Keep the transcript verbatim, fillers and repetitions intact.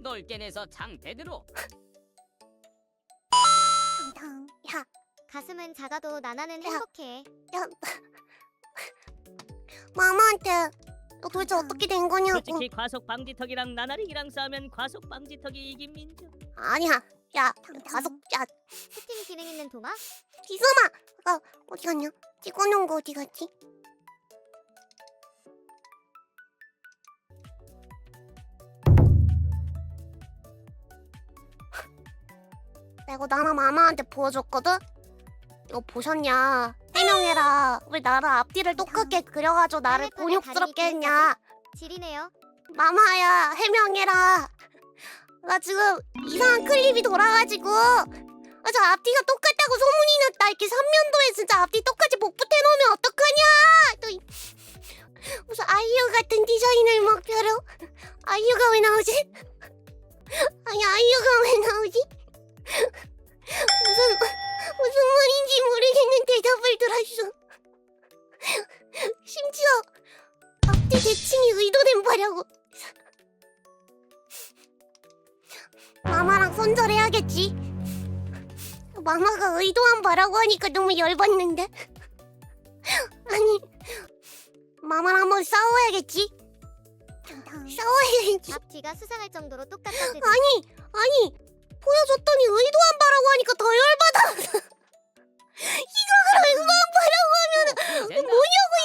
넓게 내서 장대대로. 탕탕. 야, 가슴은 작아도 나나는 야. 행복해. 야. 마마한테 너 도대체 어떻게 된 거냐고. 솔직히 과속 방지턱이랑 나나링이랑 싸우면 과속 방지턱이 이긴 민죠. 아니야. 야, 가속. 야, 채팅 기능 있는 동화? 기수마. 아, 어디 갔냐? 찍어놓은 거 어디 갔지? 내가 나나 마마한테 보여줬거든? 이거 보셨냐? 해명해라. 왜 나를 앞뒤를 똑같게 그려가지고 나를 헬멧판에 곤욕스럽게 다리 했냐? 지리네요. 마마야, 해명해라. 나 지금 이상한 클립이 돌아가지고 아, 저 앞뒤가 똑같다고 소문이 났다. 이렇게 삼면도에 진짜 앞뒤 똑같이 복붙해 놓으면 어떡하냐? 또 이- 무슨 아이유 같은 디자인을 목표로. 아이유가 왜 나오지? 아니, 아이유가 왜 나오지? 무슨 무슨 말인지 모르겠는 대답을 들었어. 심지어 앞뒤 대칭이 의도된 바라고. 마마랑 손절해야겠지. 마마가 의도한 바라고 하니까 너무 열받는데. 아니, 마마랑 한번 싸워야겠지. 싸워야겠지. 앞뒤가 수상할 정도로 똑같다지. 아니, 아니, 보여줬더니 의도한 바라고 하니까 더 열받아. 이거를 의도한 바라고 하면 또 뭐냐고